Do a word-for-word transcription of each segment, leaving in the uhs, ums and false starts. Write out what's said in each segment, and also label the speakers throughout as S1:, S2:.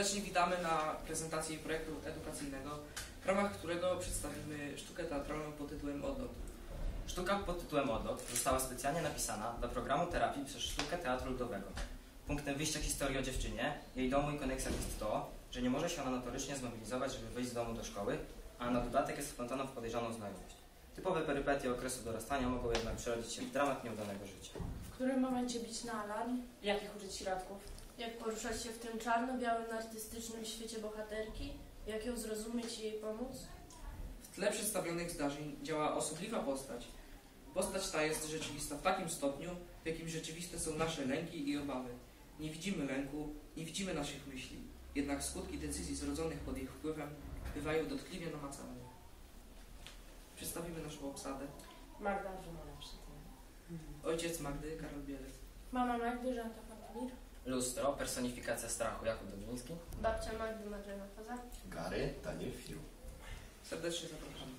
S1: Serdecznie witamy na prezentacji projektu edukacyjnego, w ramach którego przedstawimy sztukę teatralną pod tytułem Odlot.
S2: Sztuka pod tytułem Odlot została specjalnie napisana dla programu terapii przez sztukę teatru ludowego. Punktem wyjścia historii o dziewczynie, jej domu i koneksjach jest to, że nie może się ona notorycznie zmobilizować, żeby wyjść z domu do szkoły, a na dodatek jest wplątana w podejrzaną znajomość. Typowe perypetie okresu dorastania mogą jednak przerodzić się w dramat nieudanego życia.
S3: W którym momencie bić na alarm?
S4: Jakich użyć środków?
S3: Jak poruszać się w tym czarno-białym, artystycznym świecie bohaterki? Jak ją zrozumieć i jej pomóc?
S1: W tle przedstawionych zdarzeń działa osobliwa postać. Postać ta jest rzeczywista w takim stopniu, w jakim rzeczywiste są nasze lęki i obawy. Nie widzimy lęku, nie widzimy naszych myśli, jednak skutki decyzji zrodzonych pod ich wpływem bywają dotkliwie namacalne. Przedstawimy naszą obsadę.
S4: Magda Rzymona przy tym.
S1: Ojciec Magdy, Karol Bielec.
S3: Mama Magdy, Żanka Fantomir.
S2: Lustro, personifikacja strachu, Jakub Dobrzyński.
S3: Babcia Magdy, Marzena Faza.
S5: Gary, Daniel Fiu.
S1: Serdecznie zapraszamy.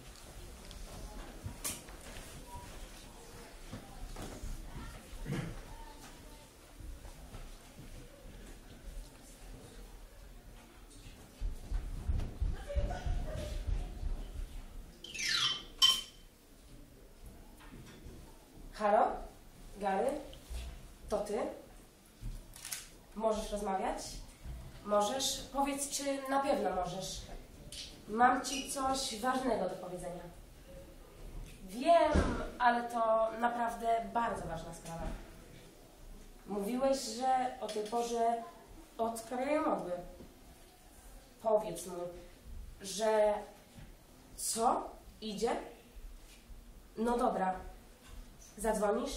S4: Halo? Gary? To ty? Możesz rozmawiać? Możesz? Powiedz, czy na pewno możesz. Mam ci coś ważnego do powiedzenia. Wiem, ale to naprawdę bardzo ważna sprawa. Mówiłeś, że o tej porze odprawiają modły. Powiedz mu, że... Co? Idzie? No dobra. Zadzwonisz?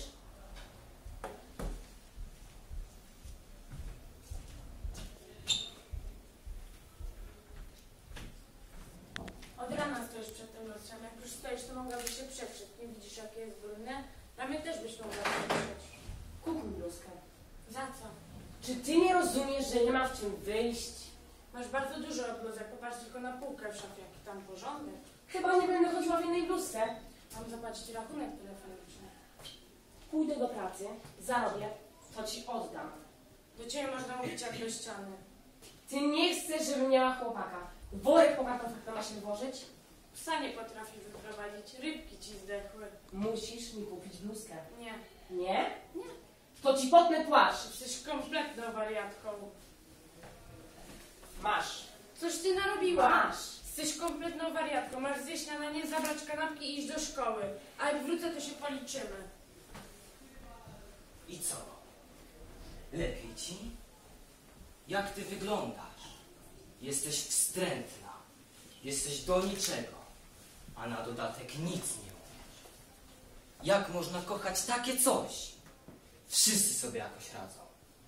S3: Od rana stoisz przed tym lustrem. Jak już stoisz, to mogłabyś się przetrzeć. Nie widzisz, jakie jest brudne? Na mnie też byś mogła przetrzeć.
S4: Kup mi bluzkę.
S3: Za co?
S4: Czy ty nie rozumiesz, że nie ma w czym wyjść?
S3: Masz bardzo dużo bluzek. Popatrz tylko na półkę w szafie, jaki tam porządek.
S4: Chyba nie będę chodziła w innej bluzce.
S3: Mam zapłacić rachunek telefoniczny.
S4: Pójdę do pracy, zarobię, to ci oddam.
S3: Do ciebie można mówić jak do ściany.
S4: Ty nie chcesz, żebym miała chłopaka. Worek po kartoflach to ma się włożyć?
S3: Psa nie potrafi wyprowadzić. Rybki ci zdechły.
S4: Musisz mi kupić bluzkę.
S3: Nie.
S4: Nie?
S3: Nie.
S4: To ci potnę płaszcz.
S3: Jesteś kompletną wariatką.
S4: Masz.
S3: Coś ty narobiła.
S4: Masz.
S3: Jesteś kompletną wariatką. Masz zjeść śniadanie, zabrać kanapki i iść do szkoły. A jak wrócę, to się policzymy.
S2: I co? Lepiej ci? Jak ty wyglądasz? Jesteś wstrętna. Jesteś do niczego. A na dodatek nic nie umiesz. Jak można kochać takie coś? Wszyscy sobie jakoś radzą.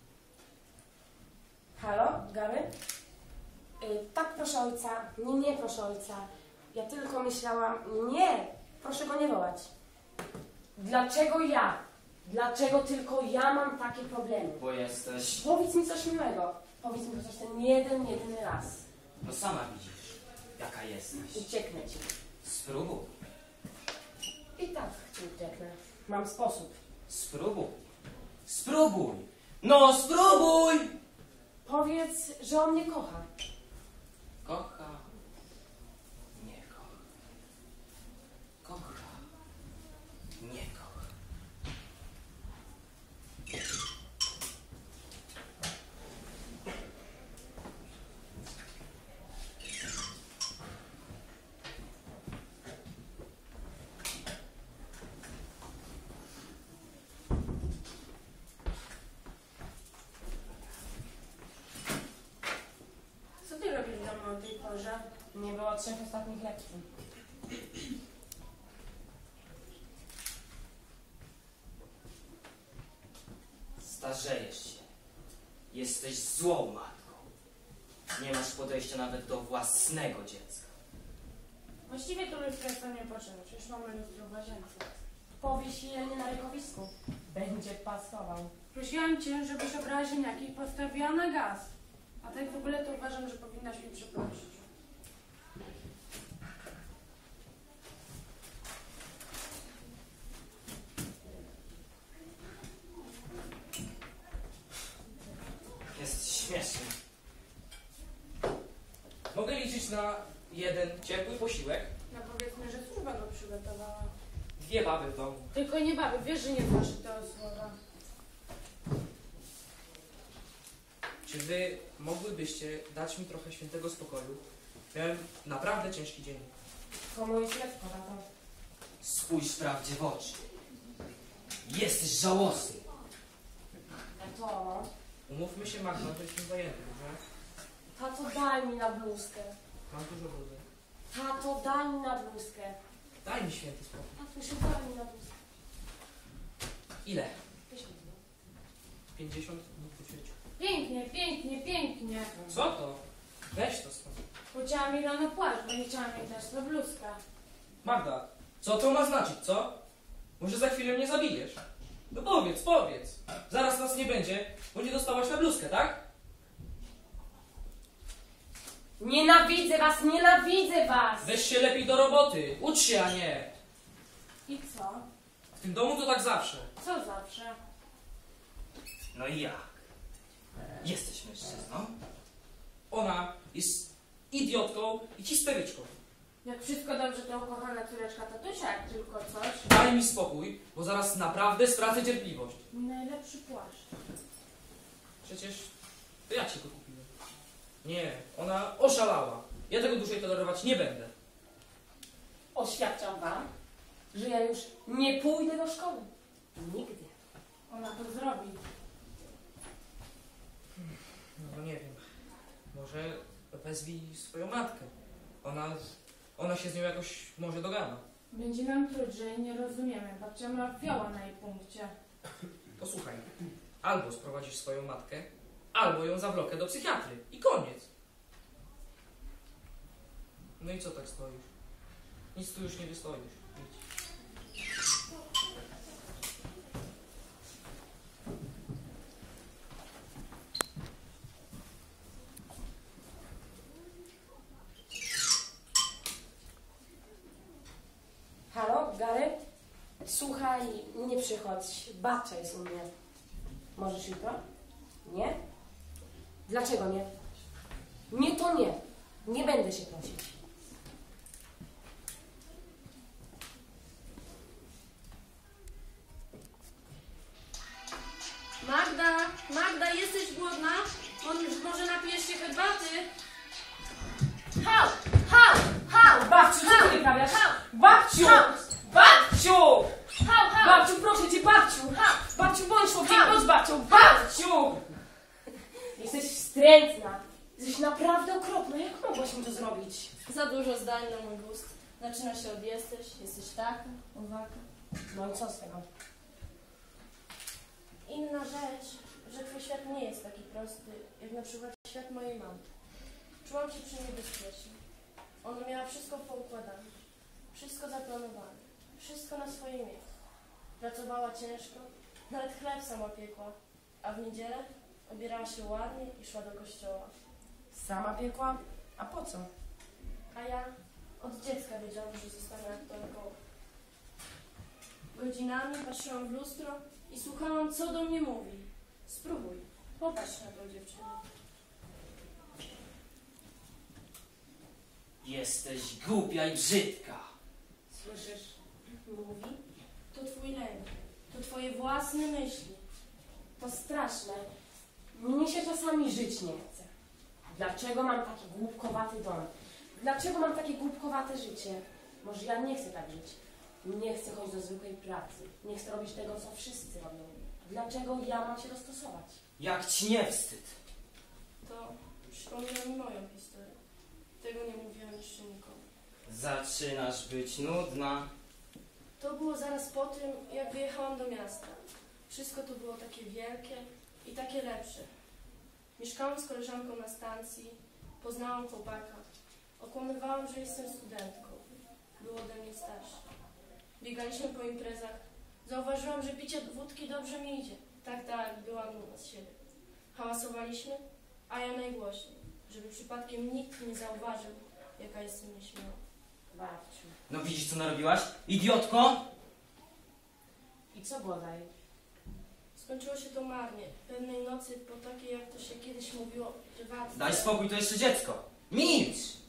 S4: Halo, Gary? Yy, tak, proszę ojca. Nie, nie, proszę ojca. Ja tylko myślałam... Nie! Proszę go nie wołać. Dlaczego ja? Dlaczego tylko ja mam takie problemy?
S2: Bo jesteś...
S4: Powiedz mi coś miłego. Powiedz mi chociaż ten jeden, jedyny raz.
S2: No sama widzisz, jaka jesteś.
S4: Ucieknę ci.
S2: Spróbuj.
S4: I tak ci ucieknę. Mam sposób.
S2: Spróbuj. Spróbuj. No spróbuj!
S4: Powiedz, że on mnie kocha.
S2: Kocha. Nie kocha. Kocha. Nie kocha.
S3: Co ty robisz w domu o tej porze?
S4: Nie było trzech ostatnich lekcji.
S2: Starzejesz się. Jesteś złą matką. Nie masz podejścia nawet do własnego dziecka.
S3: Właściwie to lustro nie potrzeba. Przecież mamy lustro w łazience.
S4: Powiesz je nie na rękowisku. Będzie pasował.
S3: Prosiłam cię, żebyś obrała ziemniaki i postawiła na gaz. A tak w ogóle to uważam, że powinnaś mi przeprosić.
S2: Jest śmieszny.
S1: pozwolić na jeden ciepły posiłek?
S3: No powiedzmy, że służba go przygotowała.
S1: Dwie baby w domu.
S3: Tylko nie baby, wiesz, że nie znasz tego słowa.
S1: Czy wy mogłybyście dać mi trochę świętego spokoju? Miałem naprawdę ciężki dzień.
S4: To moje śledztwo, tato.
S2: Spójrz prawdzie w oczy. Jesteś żałosny.
S4: Tato,
S1: Umówmy się, Magda, że jestem zajęty, że
S4: tato, daj mi na bluzkę.
S1: mam dużo wody.
S4: Tato, daj mi na bluzkę.
S1: Daj mi święty spokój.
S4: Tatusiu, daj mi na bluzkę.
S1: Ile?
S4: Weź mi to.
S1: pięćdziesiąt dni po ćwieciu.
S3: Pięknie, pięknie, pięknie.
S1: Co to? Weź to stąd.
S3: Chciałam mi rano płaszcz, bo nie chciałam jej dać do bluzka.
S1: Magda, co to ma znaczyć, co? Może za chwilę mnie zabijesz? No powiedz, powiedz. Zaraz nas nie będzie, bo nie dostałaś na bluzkę, tak?
S4: Nienawidzę was, nienawidzę was!
S1: Weź się lepiej do roboty. Ucz się, a nie.
S3: I co?
S1: W tym domu to tak zawsze.
S3: Co zawsze?
S2: No i jak? Jesteś mężczyzną?
S1: Ona jest idiotką i histeryczką.
S3: Jak wszystko dobrze, to ukochana córeczka tatusia, jak tylko coś.
S1: Daj mi spokój, bo zaraz naprawdę stracę cierpliwość.
S3: Mój najlepszy płaszcz.
S1: Przecież to ja ci go kupiłem. Nie, ona oszalała. Ja tego dłużej tolerować nie będę.
S4: Oświadczam wam, że ja już nie pójdę do szkoły. Nigdy.
S3: Ona to zrobi.
S1: No nie wiem. Może wezwij swoją matkę. Ona, ona się z nią jakoś może dogada.
S3: Będzie nam truć, że jej nie rozumiemy. Babcia ma fioła na jej punkcie.
S1: Posłuchaj, albo sprowadzisz swoją matkę, albo ją zawlokę do psychiatry. I koniec. No i co tak stoisz? Nic tu już nie wystoisz. Idź.
S4: Halo, Gary? Słuchaj, nie przychodź. Babcia jest u mnie. Możesz jutro? Nie? Dlaczego nie? Nie, to nie. Nie będę się prosić.
S3: Magda, Magda, jesteś głodna? Może napijesz się herbaty?
S4: Hał! Hał! Hał! Babciu, co ty wyprawiasz? Babciu! Babciu!
S3: Hał, hał!
S4: Babciu, proszę cię, babciu! Babciu, bądź człowiekiem, bądź babcią! Babciu! Jesteś wstrętna. Jesteś naprawdę okropna. Jak mogłaś mi to zrobić?
S5: Za dużo zdań na mój gust. Zaczyna się od jesteś, jesteś taka, owaka.
S4: No i co z tego?
S5: Inna rzecz, że twój świat nie jest taki prosty, jak na przykład świat mojej mamy. Czułam się przy niej bezpiecznie. Ona miała wszystko poukładane, wszystko zaplanowane, wszystko na swoje miejsce. Pracowała ciężko, nawet chleb sama piekła, a w niedzielę ubierała się ładnie i szła do kościoła.
S4: Sama piekła? A po co?
S5: A ja od dziecka wiedziałam, że zostanę aktorką. Godzinami patrzyłam w lustro i słuchałam, co do mnie mówi. Spróbuj, popatrz na tą dziewczynę.
S2: Jesteś głupia i brzydka.
S4: Słyszysz?
S5: Mówi? To twój lęk, to twoje własne myśli.
S4: To straszne. Mnie się czasami żyć nie chce. Dlaczego mam taki głupkowaty dom? Dlaczego mam takie głupkowate życie? Może ja nie chcę tak żyć. Nie chcę chodzić do zwykłej pracy. Nie chcę robić tego, co wszyscy robią. Dlaczego ja mam się dostosować?
S2: Jak ci nie wstyd?
S5: To przypomina mi moją historię. Tego nie mówiłam jeszcze nikomu.
S2: Zaczynasz być nudna.
S5: To było zaraz po tym, jak wyjechałam do miasta. Wszystko tu było takie wielkie i takie lepsze. Mieszkałam z koleżanką na stacji, poznałam chłopaka. Okłamywałam, że jestem studentką. Był ode mnie starszy. Biegaliśmy po imprezach. Zauważyłam, że picie wódki dobrze mi idzie. Tak, tak, byłam dumna z siebie. Hałasowaliśmy, a ja najgłośniej, żeby przypadkiem nikt nie zauważył, jaka jestem nieśmiała.
S4: Babciu.
S2: No widzisz, co narobiłaś? Idiotko!
S4: I co było dalej?
S5: Skończyło się to marnie. Pewnej nocy, po takiej, jak to się kiedyś mówiło, prywatnie.
S2: Daj spokój, to jeszcze dziecko. Milcz!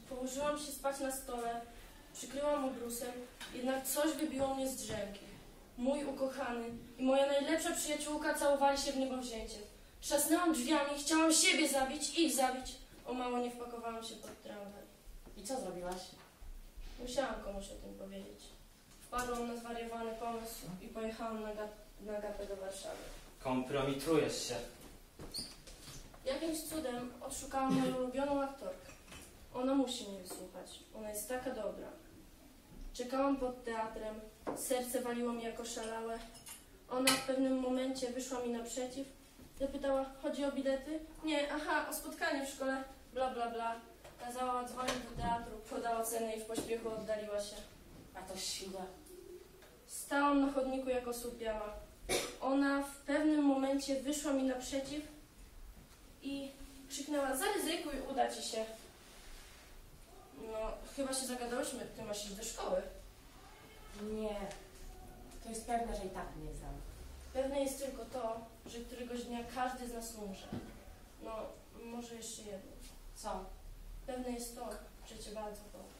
S5: Położyłam się spać na stole, przykryłam obrusem, jednak coś wybiło mnie z drzemki. Mój ukochany i moja najlepsza przyjaciółka całowali się w niebowzięcie. Trzasnęłam drzwiami, chciałam siebie zabić, ich zabić. O mało nie wpakowałam się pod tramwaj.
S4: I co zrobiłaś?
S5: Musiałam komuś o tym powiedzieć. Wpadłam na zwariowany pomysł i pojechałam na, ga- na gapę do Warszawy.
S2: Kompromitujesz się.
S5: Jakimś cudem odszukałam moją ulubioną aktorkę. Ona musi mnie wysłuchać. Ona jest taka dobra. Czekałam pod teatrem. Serce waliło mi jako szalałe. Ona w pewnym momencie wyszła mi naprzeciw. Zapytała, chodzi o bilety? Nie, aha, o spotkanie w szkole. Bla, bla, bla. Kazała dzwonić do teatru, podała cenę i w pośpiechu oddaliła się.
S4: A to świnia.
S5: Stałam na chodniku jako słupiała. Ona w pewnym momencie wyszła mi naprzeciw i krzyknęła, zaryzykuj, uda ci się. No, chyba się zagadałyśmy, ty masz iść do szkoły.
S4: Nie. To jest pewne, że i tak mnie znam.
S5: Pewne jest tylko to, że któregoś dnia każdy z nas umrze. No, może jeszcze jedno.
S4: Co?
S5: Pewne jest to, że cię bardzo kocham.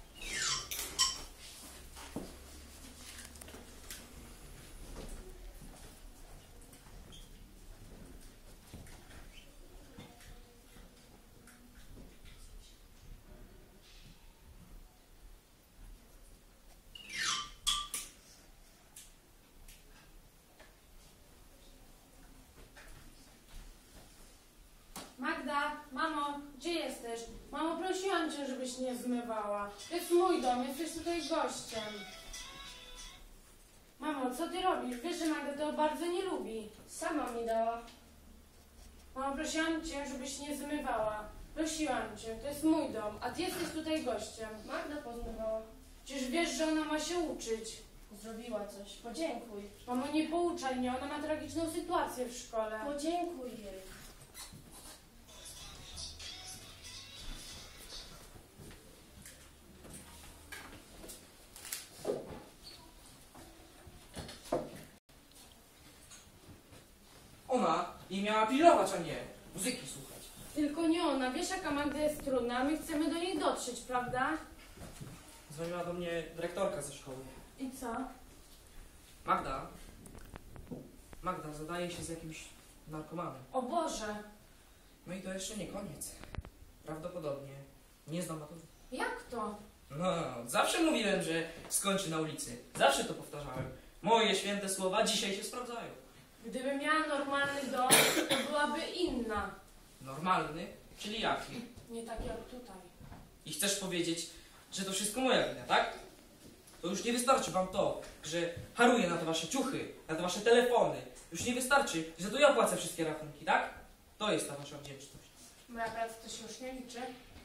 S3: Magda, mamo, gdzie jesteś? Mamo, prosiłam cię, żebyś nie zmywała. To jest mój dom, jesteś tutaj gościem. Mamo, co ty robisz? Wiesz, że Magda to bardzo nie lubi.
S5: Sama mi dała.
S3: Mamo, prosiłam cię, żebyś nie zmywała. Prosiłam cię, to jest mój dom, a ty jesteś tutaj gościem.
S5: Magda pozmywała.
S3: Przecież wiesz, że ona ma się uczyć.
S5: Zrobiła coś. Podziękuj.
S3: Mamo, nie pouczaj mnie, ona ma tragiczną sytuację w szkole.
S5: Podziękuj jej.
S1: Ona jej miała pilnować, a nie muzyki słuchać.
S3: Tylko nie ona, wiesz jaka Magda jest trudna, a my chcemy do niej dotrzeć, prawda?
S1: Dzwoniła do mnie dyrektorka ze szkoły.
S3: I co?
S1: Magda. Magda zadaje się z jakimś narkomanem.
S3: O Boże,
S1: No i to jeszcze nie koniec. Prawdopodobnie nie znam matury.
S3: jak to?
S1: No, zawsze mówiłem, że skończy na ulicy. Zawsze to powtarzałem. Moje święte słowa dzisiaj się sprawdzają.
S3: Gdyby miała normalny dom, to byłaby inna.
S1: Normalny, czyli jaki?
S3: Nie tak jak tutaj.
S1: I chcesz powiedzieć, że to wszystko moja wina, tak? To już nie wystarczy wam to, że haruję na te wasze ciuchy, na te wasze telefony. Już nie wystarczy, że to ja płacę wszystkie rachunki, tak? To jest ta wasza wdzięczność.
S3: Moja praca to się już nie liczy.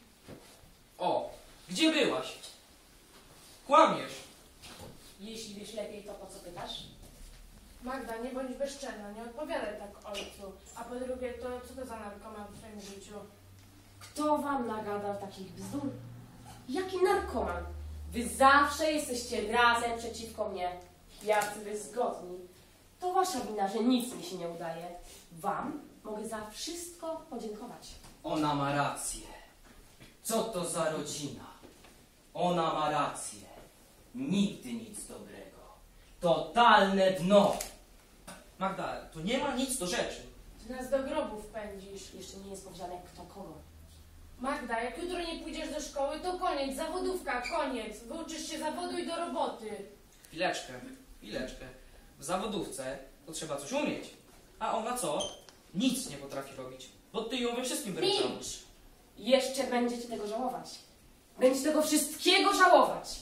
S1: O, gdzie byłaś? Kłamiesz.
S4: Jeśli wiesz lepiej, to po co pytasz?
S3: Magda, nie bądź bezczelna, nie odpowiadaj tak ojcu. A po drugie, to co to za narkoman w twoim życiu?
S4: Kto wam nagadał takich bzdur? Jaki narkoman? Wy zawsze jesteście razem przeciwko mnie. Jacy wy zgodni. To wasza wina, że nic mi się nie udaje. Wam mogę za wszystko podziękować.
S2: Ona ma rację. Co to za rodzina? Ona ma rację. Nigdy nic dobrego. Totalne dno.
S1: Magda, to nie ma nic do rzeczy.
S3: Ty nas do grobów pędzisz.
S4: Jeszcze nie jest powiedziane kto kogo.
S3: Magda, jak jutro nie pójdziesz do szkoły, to koniec, zawodówka, koniec. Wyuczysz się zawodu i do roboty.
S1: Chwileczkę, chwileczkę. W zawodówce to trzeba coś umieć. A ona co? Nic nie potrafi robić. Bo ty ją we wszystkim wyrzucałeś.
S4: Milcz! Jeszcze będziecie tego żałować. Będziecie tego wszystkiego żałować.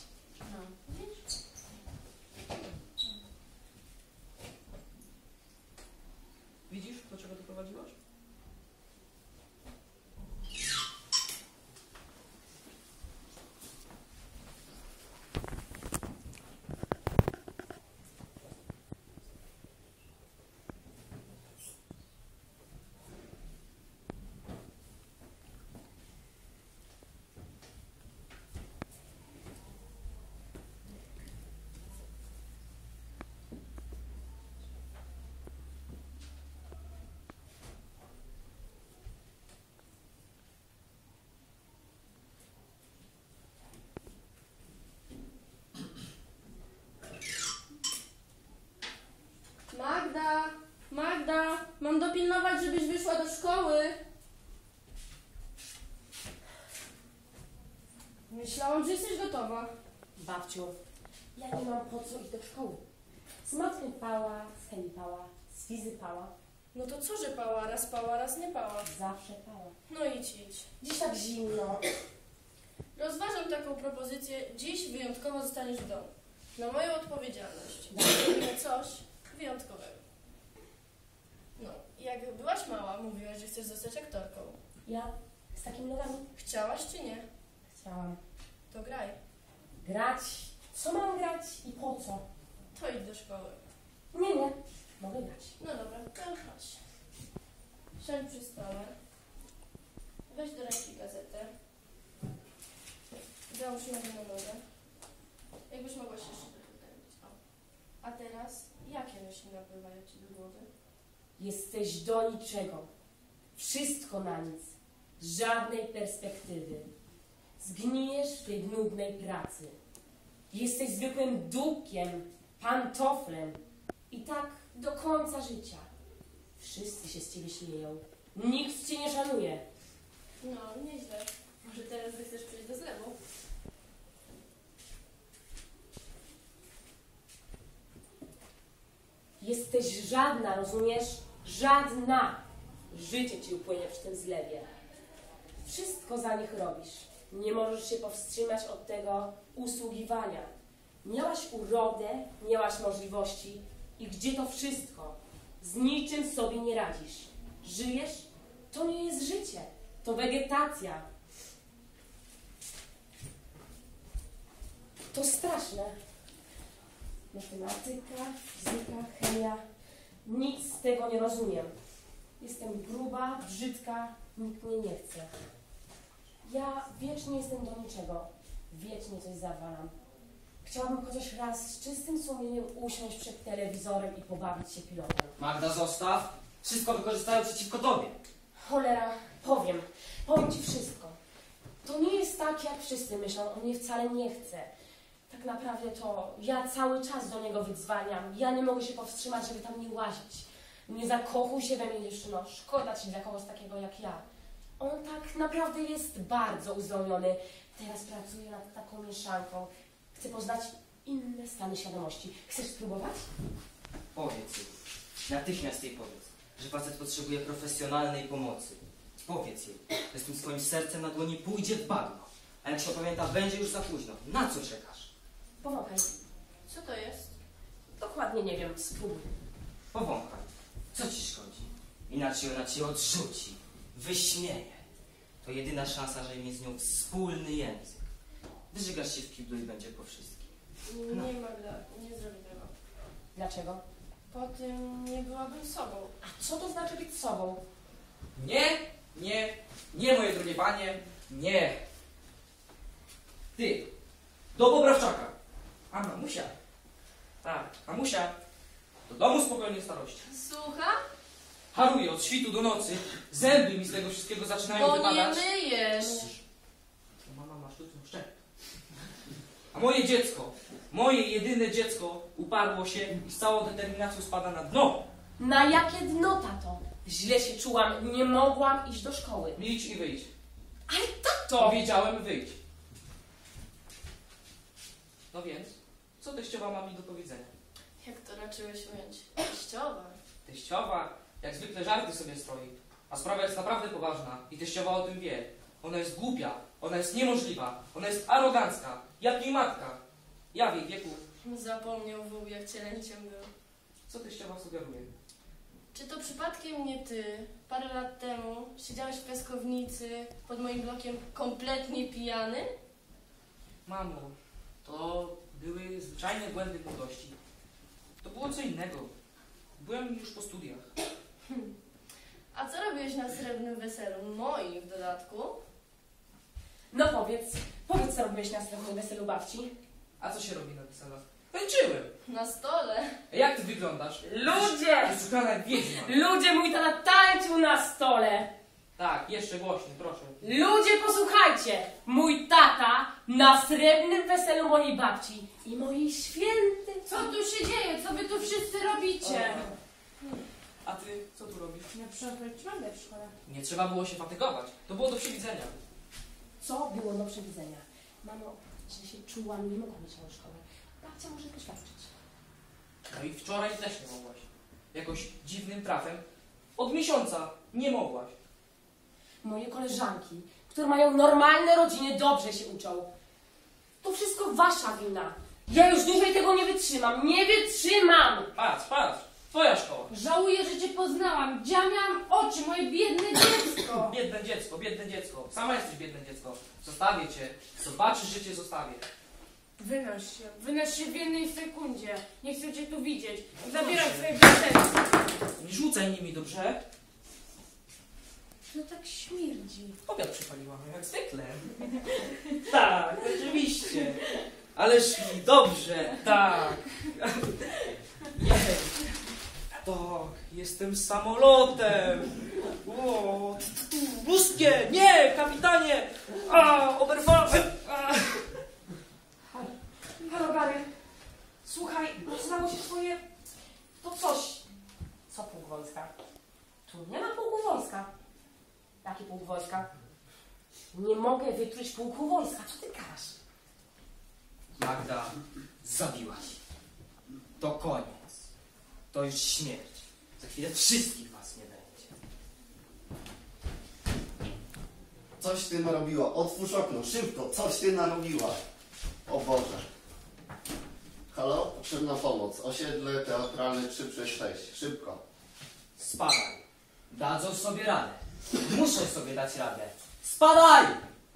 S1: Widzisz, do czego doprowadziłaś?
S5: Mówiłam, żebyś wyszła do szkoły. Myślałam, że jesteś gotowa.
S4: Babciu, ja nie mam po co iść do szkoły. Z matmy pała, z chemii pała, z fizy pała.
S5: No to co, że pała? Raz pała, raz nie pała.
S4: Zawsze pała.
S5: No idź, idź.
S4: Dziś tak zimno.
S5: Rozważam taką propozycję. Dziś wyjątkowo zostaniesz w domu. Na moją odpowiedzialność. Robimy coś wyjątkowego. No, jak byłaś mała, mówiłaś, że chcesz zostać aktorką.
S4: Ja z takimi nogami
S5: Chciałaś czy nie?
S4: chciałam
S5: To graj.
S4: grać. Co mam grać i po co?
S5: To idź do szkoły.
S4: Nie, nie. Mogę grać.
S5: No dobra, to chodź. Siądź przy stole. Weź do ręki gazetę. Załóż nogę na nogę. Jakbyś mogła się jeszcze trochę ustawić. O. A teraz, jakie myśli napływają ci do głowy?
S4: Jesteś do niczego. Wszystko na nic. Żadnej perspektywy. Zgnijesz w tej nudnej pracy. Jesteś zwykłym dupkiem, pantoflem. I tak do końca życia. Wszyscy się z ciebie śmieją. Nikt cię nie szanuje.
S5: No, nieźle. Może teraz chcesz przejść do zlewu?
S4: Jesteś żadna, rozumiesz? Żadna. Życie ci upłynie przy tym zlewie. Wszystko za nich robisz. Nie możesz się powstrzymać od tego usługiwania. Miałaś urodę, miałaś możliwości. I gdzie to wszystko? Z niczym sobie nie radzisz. Żyjesz? To nie jest życie. To wegetacja. To straszne. Matematyka, fizyka, chemia. Nic z tego nie rozumiem. Jestem gruba, brzydka, nikt mnie nie chce. Ja wiecznie jestem do niczego. Wiecznie coś zawalam. Chciałabym chociaż raz z czystym sumieniem usiąść przed telewizorem i pobawić się pilotem.
S2: Magda, zostaw. Wszystko wykorzystają przeciwko tobie.
S4: Cholera, powiem. Powiem ci wszystko. To nie jest tak, jak wszyscy myślą. On mnie wcale nie chce. Tak naprawdę to ja cały czas do niego wydzwaniam. Ja nie mogę się powstrzymać, żeby tam nie łazić. Nie zakochuj się we mnie, dziewczyno. Szkoda ci dla kogoś takiego jak ja. On tak naprawdę jest bardzo uzdolniony. Teraz pracuje nad taką mieszanką. Chce poznać inne stany świadomości. Chcesz spróbować?
S2: Powiedz jej. Natychmiast jej powiedz, że facet potrzebuje profesjonalnej pomocy. Powiedz jej, że z tym swoim sercem na dłoni pójdzie w bagno. A jak się opamięta, będzie już za późno. Na co czekasz?
S4: Powąchaj.
S5: Co to jest?
S4: Dokładnie nie wiem. Spróbuj.
S2: Powąchaj. Co ci szkodzi? Inaczej ona cię odrzuci, wyśmieje. To jedyna szansa, że mieć z nią wspólny język. Wyżygasz się w kiblu i będzie po wszystkim.
S5: Nie,
S2: No.
S5: nie Magda, nie zrobię tego.
S4: Dlaczego?
S5: Po tym nie byłabym sobą.
S4: A co to znaczy być sobą?
S1: Nie, nie, nie, moje drogie panie, nie. Ty, do Bobrawczaka. A mamusia. Tak, mamusia. Do domu spokojnej starości.
S3: Słucham?
S1: Haruję od świtu do nocy. Zęby mi z tego wszystkiego zaczynają
S3: Bo nie
S1: wypadać.
S3: myjesz.
S1: To mama ma sztuczną szczękę. A moje dziecko, moje jedyne dziecko uparło się i z całą determinacją spada na dno.
S4: Na jakie dno, tato? Źle się czułam, nie mogłam iść do szkoły.
S1: Milcz i wyjdź.
S4: Ale tato!
S1: Powiedziałem wyjdź. No więc, co teściowa ma mi do powiedzenia?
S5: Jak to raczyłeś ująć? Teściowa.
S1: Teściowa, jak zwykle żarty sobie stroi, a sprawa jest naprawdę poważna i teściowa o tym wie. Ona jest głupia, ona jest niemożliwa, ona jest arogancka, jak jej matka. Ja w jej wieku.
S5: Zapomniał wół, jak cielęciem był.
S1: Co teściowa sugeruje?
S5: Czy to przypadkiem nie ty, parę lat temu, siedziałeś w piaskownicy pod moim blokiem kompletnie pijany?
S1: Mamo, to były zwyczajne błędy młodości. To było co innego. Byłem już po studiach.
S5: A co robiłeś na srebrnym weselu? Moim w dodatku?
S4: No powiedz, powiedz co robiłeś na swoim weselu babci.
S1: A co się robi na weselach? Tańczyłem.
S5: Na stole.
S1: A jak ty wyglądasz?
S4: Ludzie!
S1: Wyszukana jak wiedźma.
S4: Ludzie, mój tata tańczył na stole!
S1: Tak, jeszcze głośniej, proszę.
S4: Ludzie, posłuchajcie! Mój tata na srebrnym weselu mojej babci i mojej świętej...
S3: Co tu się dzieje? Co wy tu wszyscy robicie?
S1: A ty co tu robisz?
S3: Ja przeprowadzam w szkole.
S1: Nie trzeba było się fatygować. To było do przewidzenia.
S4: Co było do przewidzenia? Mamo, źle się czułam, nie mogłam iść do szkoły. Babcia może poświadczyć.
S1: No i wczoraj też nie mogłaś. Jakoś dziwnym trafem. Od miesiąca nie mogłaś.
S4: Moje koleżanki, które mają normalne rodziny, dobrze się uczą. To wszystko wasza wina. Ja już dłużej tego nie wytrzymam. Nie wytrzymam!
S1: Patrz, patrz. Twoja szkoła.
S3: Żałuję, że cię poznałam. Gdzie ja miałam oczy, moje biedne dziecko.
S1: Biedne dziecko, biedne dziecko. Sama jesteś biedne dziecko. Zostawię cię. Zobaczysz, że cię zostawię.
S3: Wynoś się, wynoś się w jednej sekundzie. Nie chcę cię tu widzieć. Zabieraj
S1: Proszę.
S3: swoje prezenty.
S1: Nie rzucaj nimi, dobrze?
S3: No tak śmierdzi.
S1: Obiad przypaliłam, jak zwykle. Tak, oczywiście. Ależ mi dobrze, tak. Jej. Tak, jestem samolotem. O, ruskie, nie, kapitanie. A, oberwałem. A.
S4: Halo, Gary. Słuchaj, rozlało się twoje... To coś. Co pułk wojska? Tu nie ma pułku wojska. Jaki pułk wojska? Nie mogę wytruć pułku wojska. Co ty gadasz?
S2: Magda, zabiłaś. To koniec. To już śmierć. Za chwilę wszystkich was nie będzie.
S6: Coś ty narobiła. Otwórz okno, szybko. Coś ty narobiła. O Boże. Halo? Potrzebna pomoc. Osiedle teatralne trzy przez sześć. Szybko.
S2: Spadaj. Dadzą sobie radę. Muszą sobie dać radę. Spadaj!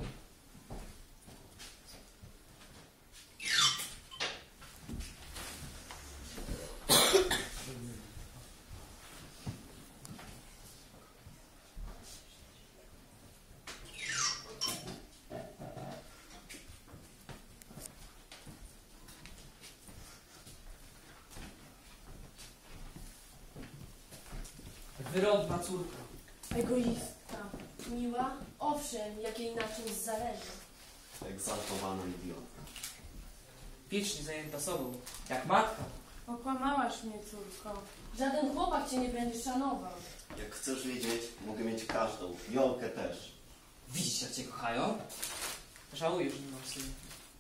S1: Wyrodna córka.
S5: Egoistka. Miła? Owszem, jak jej na czymś zależy.
S6: Egzaltowana idiotka.
S1: Wiecznie zajęta sobą, jak matka.
S3: Okłamałaś mnie, córko.
S5: Żaden chłopak cię nie będzie szanował.
S6: Jak chcesz wiedzieć, mogę mieć każdą. Jolkę też.
S2: Widzisz, jak cię kochają?
S1: Żałuję, że nie mam syna.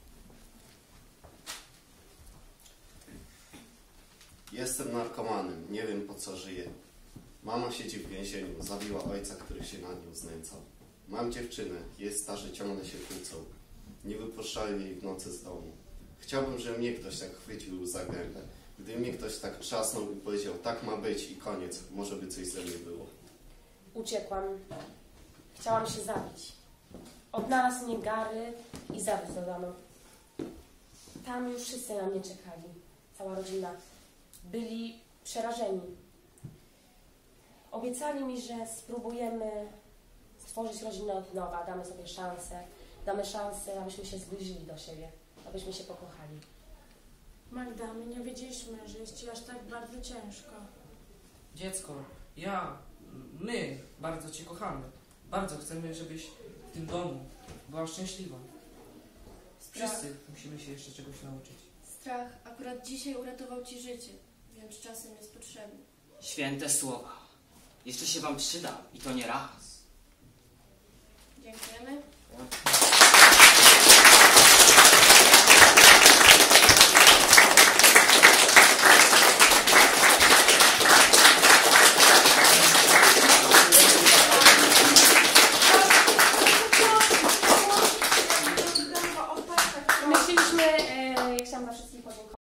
S6: Jestem narkomanem. Nie wiem, po co żyję. Mama siedzi w więzieniu. Zabiła ojca, który się na nią znęcał. Mam dziewczynę. Jest starzy, ciągle się kłócą. Nie wypuszczają jej w nocy z domu. Chciałbym, żeby mnie ktoś tak chwycił za gębę. Gdyby mnie ktoś tak trzasnął i powiedział, tak ma być i koniec, może by coś ze mnie było.
S4: Uciekłam. Chciałam się zabić. Odnalazł mnie Gary i zawiózł do domu. Tam już wszyscy na mnie czekali. Cała rodzina. Byli przerażeni. Obiecali mi, że spróbujemy stworzyć rodzinę od nowa. Damy sobie szansę. Damy szansę, abyśmy się zbliżyli do siebie. Abyśmy się pokochali.
S3: Magda, my nie wiedzieliśmy, że jest ci aż tak bardzo ciężko.
S1: Dziecko, ja, my bardzo cię kochamy. Bardzo chcemy, żebyś w tym domu była szczęśliwa.
S5: Strach,
S1: Wszyscy musimy się jeszcze czegoś nauczyć.
S5: strach akurat dzisiaj uratował ci życie, więc czasem jest potrzebny.
S2: Święte słowa. Jeszcze się wam przydam i to nie raz.
S5: Dziękujemy.
S1: Ja.